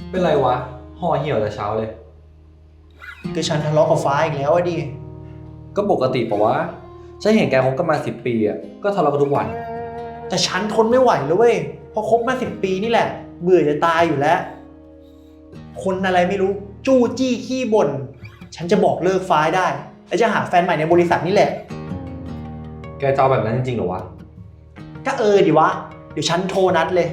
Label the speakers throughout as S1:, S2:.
S1: เป็นไรวะห่อเหี่ยวแต่เช้าเลย
S2: คือฉันทะเลาะกับฟ้าอีกแล้วอะดิ
S1: ก็ปกติปะวะฉันเห็นแกคบกันมา10 ปีอ่ะก็ทะเลาะกันทุกวัน
S2: แต่ฉันทนไม่ไหวเลยเว้ยพอคบมา10 ปีนี่แหละเบื่อจะตายอยู่แล้วคนอะไรไม่รู้จู้จี้ขี้บ่นฉันจะบอกเลิกฟ้าได้แล้วจะหาแฟนใหม่ในบริษัทนี่แหละ
S1: แกจะเอาแบบนั้นจริงๆเหรอวะ
S2: ก็ดิวะเดี๋ยวฉันโทรนัดเลย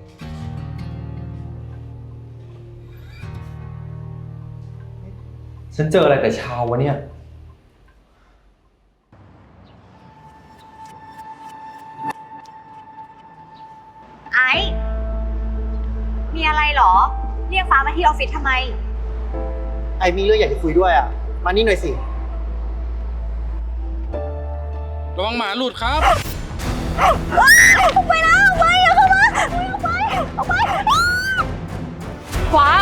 S1: ฉันเจออะไรแต่เช้าวะเนี่ย
S3: ไอ้มีอะไรเหรอเรียกฟ้ามาที่ออฟฟิศทำไม
S2: ไอมีเรื่องอยากจะคุยด้วยอ่ะมานี่หน่อยสิ
S4: ระวังหมาหลุดครับ
S3: ออกไปนะออกไปอย่าเข้ามาออกไปออกไปฟ้า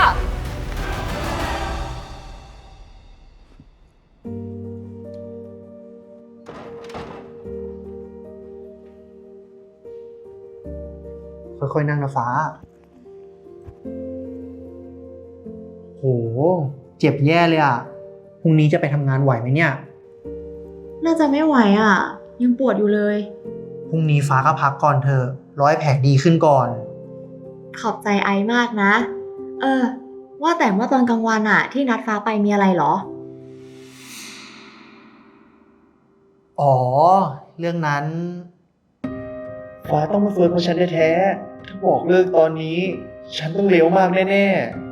S2: ค่อยๆนั่งนะฟ้าโหเจ็บแย่เลยอ่ะพรุ่งนี้จะไปทำงานไหวไหมเนี่ย
S5: น่าจะไม่ไหวอ่ะ ยังปวดอยู่เลย
S2: พรุ่งนี้ฟ้าก็พักก่อนเถอะร้อยแผลดีขึ้นก่อน
S5: ขอบใจไอมากนะ ว่าแต่เมื่อตอนกลางวันอ่ะ ที่นัดฟ้าไปมีอะไรเหรอ
S2: อ๋อเรื่องนั้นฟ้าต้องมาเฟิร์นเพราะฉันแท้ๆถ้าบอกเลิกตอนนี้ ฉันต้องเลวมากแน่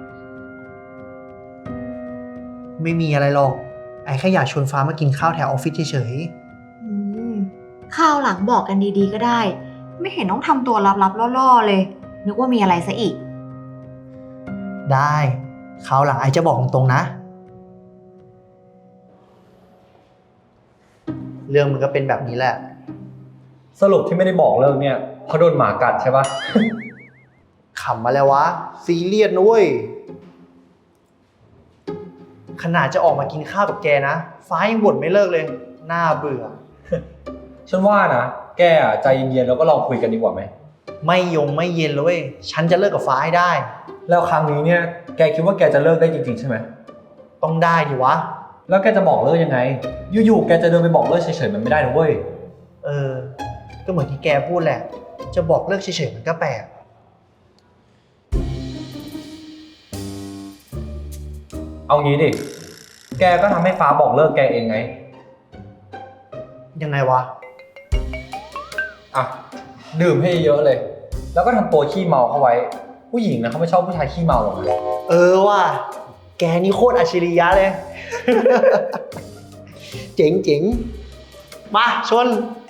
S2: ๆไม่มีอะไรหรอกไอ้แค่อยากชวนฟ้ามากินข้าวแถวออฟฟิศเฉย
S5: อืมข้าวหลังบอกกันดีๆก็ได้ ไม่เห็นต้องทำตัวลับๆล่อๆเลย นึกว่ามีอะไรซะอีก
S2: ๆได้คราวหลังไอ้จะบอกตรงๆนะเรื่องมันก็เป็นแบบนี้แหละ
S1: สรุปที่ไม่ได้บอกเลิกเนี่ยเพราะโดนหมากัดใช่ปะ
S2: ขำมาแล้ววะซีเรียสนะเว้ยขนาดจะออกมากินข้าวกับแกนะฟ้ายังบ่นไม่เลิกเลยน่าเบื่อ
S1: ฉันว่านะแกอ่ะใจเย็นๆแล้วก็ลองคุยกันดีกว่าไหม
S2: ไม่เย็นเลยเว้ยฉันจะเลิกกับฟ้าให้ได้
S1: แล้วครั้งนี้เนี่ยแกคิดว่าแกจะเลิกได้จริงๆใช่ไหม
S2: ต้องได้ดิวะ
S1: แล้วแกจะบอกเลิกยังไงอยู่ๆแกจะเดินไปบอกเลิกเฉยๆมันไม่ได้นะเว้ย
S2: ก็เหมือนที่แกพูดแหละจะบอกเลิกเฉยๆมันก็แปลก
S1: เอางี้ดิแกก็ทำให้ฟ้าบอกเลิกแกเองไง
S2: ยังไงวะ
S1: อ่ะดื่มให้เยอะเลย แล้วก็ทำตัวขี้เมาเข้าไว้ผู้หญิงนะเขาไม่ชอบผู้ชายขี้เมาหรอกนะ
S2: ว่ะแกนี่โคตรอัจฉริยะเลย เจ๋งมาชน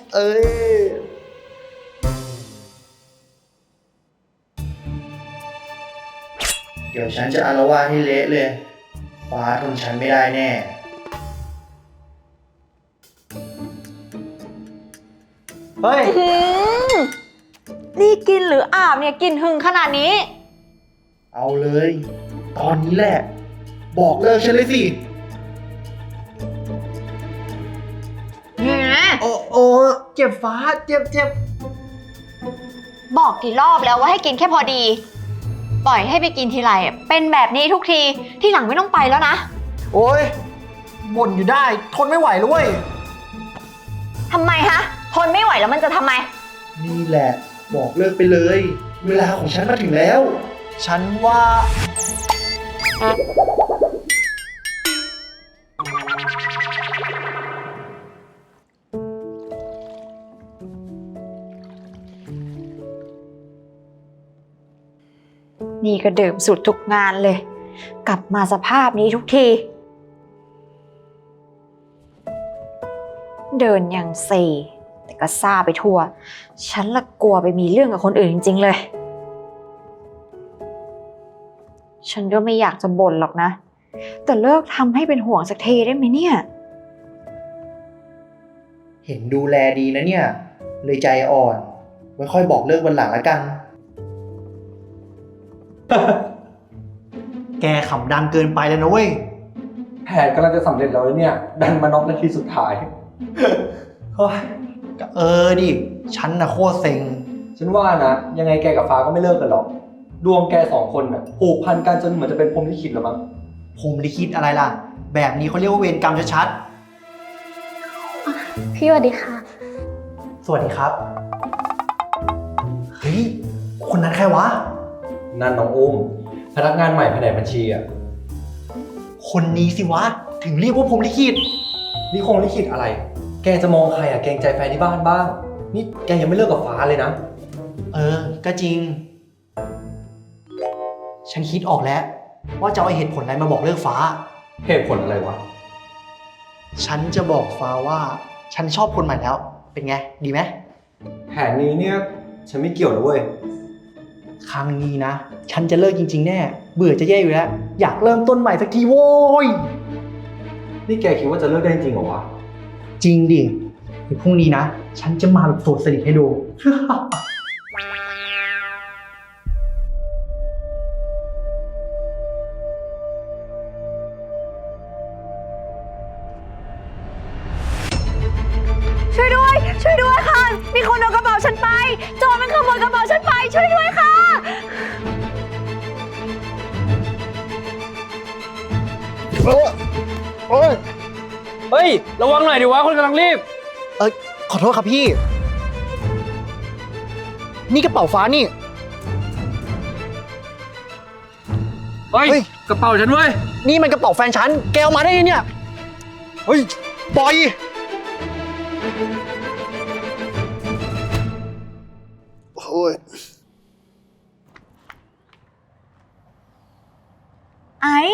S2: เดี๋ยวฉันจะอาละวาดให้เละเลยฟ้าทนฉันไม่ได้แน่เฮ้ย
S3: นี่กินหรืออาบเนี่ยกินหึงขนาดนี้
S2: เอาเลย ตอนนี้แหละ บอกเลิกฉันเลยสิโอ้เจ็บฟ้าเจ็บ
S3: บอกกี่รอบแล้วว่าให้กินแค่พอดี ปล่อยให้ไปกินทีไรเป็นแบบนี้ทุกทีที่หลังไม่ต้องไปแล้วนะ
S2: โอ้ยบ่นอยู่ได้ทนไม่ไหวแล้วเว้ย
S3: ทำไมฮะทนไม่ไหวแล้วมันจะทำไม
S2: นี่แหละบอกเลิกไปเลย เวลาของฉันมาถึงแล้ว ฉันว่า
S3: นี่ก็ดื่มสุดทุกงานเลยกลับมาสภาพนี้ทุกทีเดินอย่างเซแต่ก็ซ่าไปทั่วฉันละกลัวไปมีเรื่องกับคนอื่นจริงๆเลยฉันก็ไม่อยากจะบ่นหรอกนะแต่เลิกทำให้เป็นห่วงสักทีได้ไหมเนี่ย
S2: เห็นดูแลดีนะเนี่ยเลยใจอ่อนไว้ค่อยบอกเลิกวันหลังแล้วกัน แกขำดังเกินไปแล้วนะเว้ย
S1: แผนกำลังจะสำเร็จแล้วเนี่ยดันมาน็อกนาทีสุดท้ายเฮ้ย
S2: ดิฉันน่ะโคตรเซ็ง
S1: ฉันว่านะยังไงแกกับฟ้าก็ไม่เลิกกันหรอกดวงแกสองคนน่ะผูกพันกันจนเหมือนจะเป็นพรหมลิขิตแล้วมั้ง
S2: ผมลิขิตอะไรล่ะ แบบนี้เขาเรียกว่าเวรกรรมชัด
S6: พี่สวัสดีค่ะ
S2: ๆสวัสดีครับ เฮ้ย คนนั้นใครวะ
S1: นั่นน้องอุ้มพนักงานใหม่แผนกบัญชีอ่ะ
S2: คนนี้สิวะ ถึงเรียกว่าผมลิขิต
S1: นี่คงลิขิตอะไร แกจะมองใครอ่ะเกรงใจแฟนที่บ้านบ้าง นี่แกยังไม่เลิกกับฟ้าเลยนะ
S2: ก็จริง ฉันคิดออกแล้ว ว่าจะเอาเหตุผลอะไรมาบอกเลิกฟ้า
S1: เหตุผลอะไรวะ
S2: ฉันจะบอกฟ้าว่า ฉันชอบคนใหม่แล้ว เป็นไง ดีไหม
S1: แผนนี้เนี่ยฉันไม่เกี่ยวนะเว้ย
S2: ครั้งนี้นะ ฉันจะเลิกจริงๆแน่ เบื่อจะแย่อยู่แล้ว อยากเริ่มต้นใหม่สักทีโว้ย
S1: นี่แกคิดว่าจะเลิกได้จริงเหรอวะ
S2: จริงดิเดี๋ยวพรุ่งนี้นะ ฉันจะมาแบบโสดสนิทให้ดู
S3: ช่วยด้วย ช่วยด้วยค่ะ มีคนเอากระเป๋าฉันไป โจรมันขโมยกระเป๋าฉันไป ช่วยด้วยค่ะ
S2: โอ้ย
S4: เฮ้ย ระวังหน่อยดิวะ คนกำลังรีบ
S2: ขอโทษครับพี่ นี่กระเป๋าฟ้านี่
S4: เฮ้ย
S2: เฮ้ย
S4: กระเป๋าฉันเว้ย
S2: นี่มันกระเป๋าแฟนฉัน แกเอามาได้ไงเนี่ย เฮ้ย ปล่อย โอ้ย
S3: ไอ้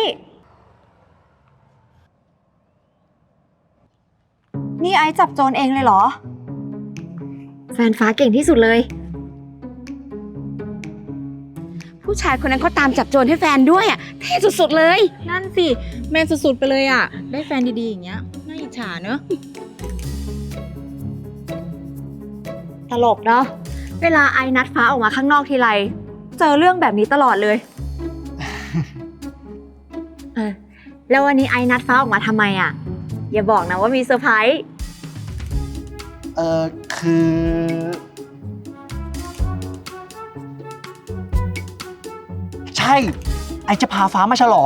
S3: นี่ไอ้จับโจรเองเลยเหรอ
S5: แฟนฟ้าเก่งที่สุดเลย
S6: ผู้ชายคนนั้นเขาตามจับโจรให้แฟนด้วยอ่ะเท่สุดๆเลย
S7: นั่นสิ แมนสุดๆไปเลยอ่ะ ได้แฟนดีๆอย่างเงี้ย น่าอิจฉาเนอะ
S5: ตลกเนาะ เวลาไอ้นัดฟ้าออกมาข้างนอกทีไร เจอเรื่องแบบนี้ตลอดเลย แล้ววันนี้ไอ้นัดฟ้าออกมาทำไมอ่ะ อย่าบอกนะว่ามีเซอร์ไพรส์
S2: คือ ใช่ ไอจะพาฟ้ามาฉลอง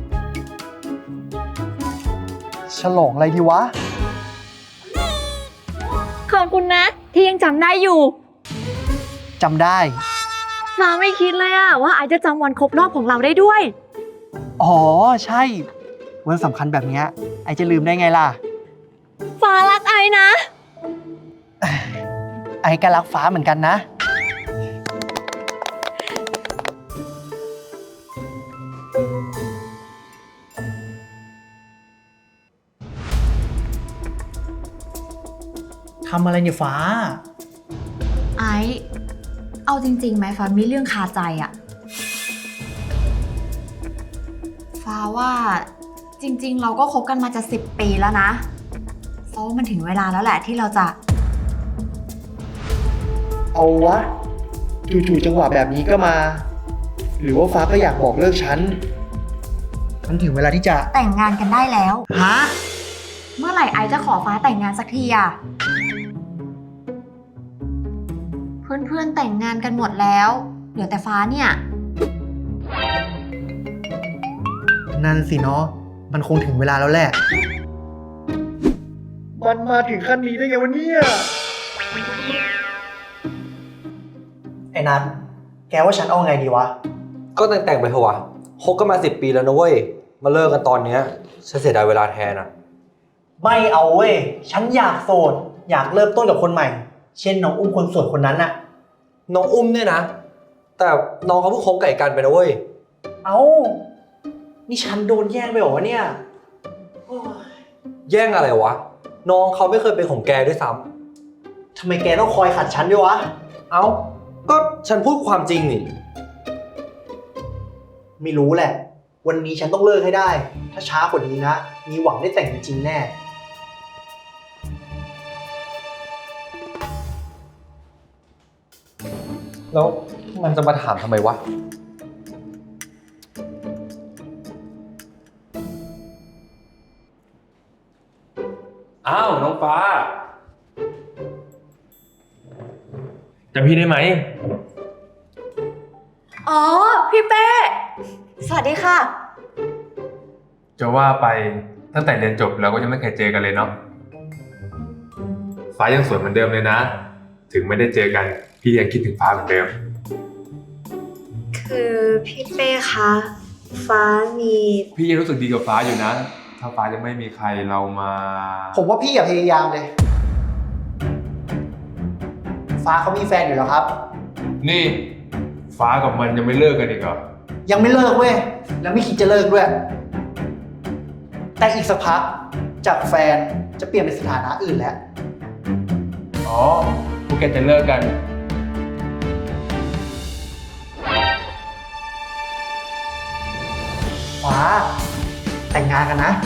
S2: ฉลองอะไรดีวะ
S5: ขอบคุณนะ ที่ยังจำได้อยู่
S2: จำได้
S5: ฟ้าไม่คิดเลยอะว่าไอจะจำวันครบรอบของเราได้ด้วย
S2: อ๋อ ใช่ วันสำคัญแบบเนี้ยไอจะลืมได้ไงล่ะ
S5: ฟ้ารักไอนะ
S2: ไอก็รักฟ้าเหมือนกันนะ ทำอะไรเนี่ยฟ้า
S5: ไอเอาจริงๆไหมฟ้ามีเรื่องคาใจอะฟ้าว่าจริงๆ เราก็คบกันมาจะ10 ปีแล้วนะฟ้าว่ามันถึงเวลาแล้วแหละที่เราจะ
S2: เอาวะ จู่ๆจังหวะแบบนี้ก็มา หรือว่าฟ้าก็อยากบอกเลิกฉัน มันถึงเวลาที่จะ
S5: แต่งงานกันได้แล้ว
S2: ฮะ
S5: เมื่อไหร่ไอจะขอฟ้าแต่งงานสักทีอะเพื่อนๆแต่งงานกันหมดแล้วเหลือแต่ฟ้าเนี่ย
S2: นั่นสิเนาะ มันคงถึงเวลาแล้วแหละ มันมาถึงขั้นนี้ได้ไงวะเนี่ย ไอ้นัทแกว่าฉันเอาไงดีวะ
S1: ก็แต่งไปเถอะวะคบกันมา10 ปีแล้วนะเว้ย มาเลิกกันตอนเนี้ยฉันเสียดายเวลาแทนอ่ะ
S2: ไม่เอาเว้ย ฉันอยากโสด อยากเริ่มต้นกับคนใหม่ เช่นน้องอุ้มคนสวยคนนั้นน่ะ
S1: น้องอุ้มเนี่ยนะ แต่น้องเขาเพิ่งคบกับไอ้กันไปนะเว้ย
S2: เอ้า นี่ฉันโดนแย่งไปเหรอวะเนี่ยโอ้ย
S1: แย่งอะไรวะ น้องเขาไม่เคยเป็นของแกด้วยซ้
S2: ทำไมแกต้องคอยขัดฉันด้วยวะ
S1: ำเอ้า ก็ฉันพูดความจริงนี่
S2: ไม่รู้แหละ วันนี้ฉันต้องเลิกให้ได้ ถ้าช้ากว่านี้นะ มีหวังได้แต่งจริงๆแน่
S1: แล้วมันจะมาถามทำไมวะ
S8: อ้าว น้องฟ้าจำพี่ได้ไหม
S5: อ๋อ พี่เป้ สวัสดีค่ะ
S8: จะว่าไปตั้งแต่เรียนจบเราก็ยังไม่เคยเจอกันเลยเนาะฟ้ายังสวยเหมือนเดิมเลยนะ ถึงไม่ได้เจอกันพี่ยังคิดถึงฟ้าเหมือนเดิม
S5: คือพี่เป้คะ ฟ้ามี
S8: พี่ยังรู้สึกดีกับฟ้าอยู่นะ ถ้าฟ้ายังไม่มีใครเรามา
S2: ผมว่าพี่อย่าพยายามเลย ฟ้าเขามีแฟนอยู่แล้วครับ
S8: นี่ฟ้ากับมันยังไม่เลิกกันอีกเหรอ
S2: ยังไม่เลิกเว้ย แล้วไม่คิดจะเลิกด้วย แต่อีกสักพักจากแฟนจะเปลี่ยนเป็นสถานะอื่นแล้ว
S8: อ๋อพวกแกจะเลิกกัน
S2: ฟ้า แต่งงานกันนะ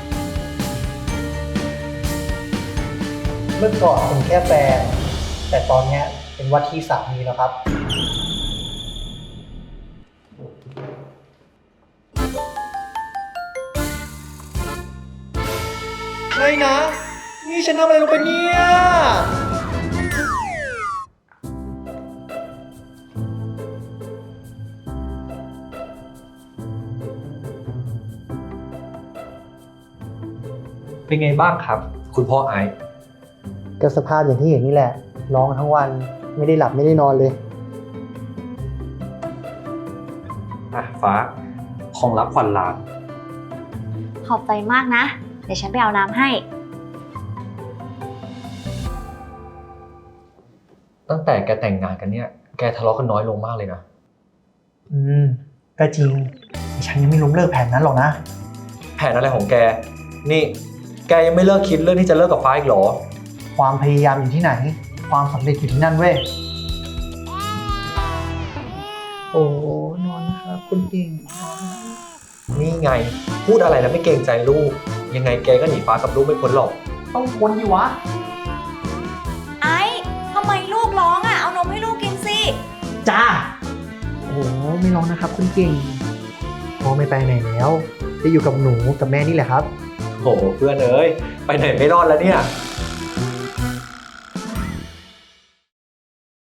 S2: เมื่อก่อนเป็นแค่แฟน แต่ตอนเนี้ยเป็นว่าที่สามีแล้วครับ ไม่นะ นี่ฉันทำอะไรลงไปเนี่ย
S1: เป็นไงบ้างครับ คุณพ่อไอซ์
S2: ก็สภาพอย่างที่เห็นนี่แหละ ร้องทั้งวันไม่ได้หลับไม่ได้นอนเลย
S1: อ่ะฟ้า ของรับขวัญหลาน
S3: ขอบใจมากนะ เดี๋ยวฉันไปเอาน้ำให้
S1: ตั้งแต่แกแต่งงานกันเนี่ย แกทะเลาะกันน้อยลงมากเลยนะ
S2: ก็จริงแต่ฉันยังไม่ล้มเลิกแผนนั้นหรอกนะ
S1: แผนอะไรของแก นี่ แกยังไม่เลิกคิดเรื่องที่จะเลิกกับฟ้าอีกเหรอ
S2: ความพยายามอยู่ที่ไหน ความสำเร็จอยู่ที่นั่นเว้ย โอ้นอนนะครับคุณเก่ง
S1: นี่ไง พูดอะไรแล้วไม่เกรงใจลูก ยังไงแกก็หนีฟ้ากับลูกไม่พ้นหรอก
S2: ต้องพ้นอยู่วะ
S5: ไอ้ทำไมลูกร้องอ่ะ เอานมให้ลูกกินสิ
S2: จ้า โอ้ไม่ร้องนะครับคุณเก่งพ่อไม่ไปไหนแล้วจะอยู่กับหนูกับแม่นี่แหละครับ
S1: โหเพื่อนเอ้ย ไปไหนไม่รอดแล้วเนี่ย
S2: ค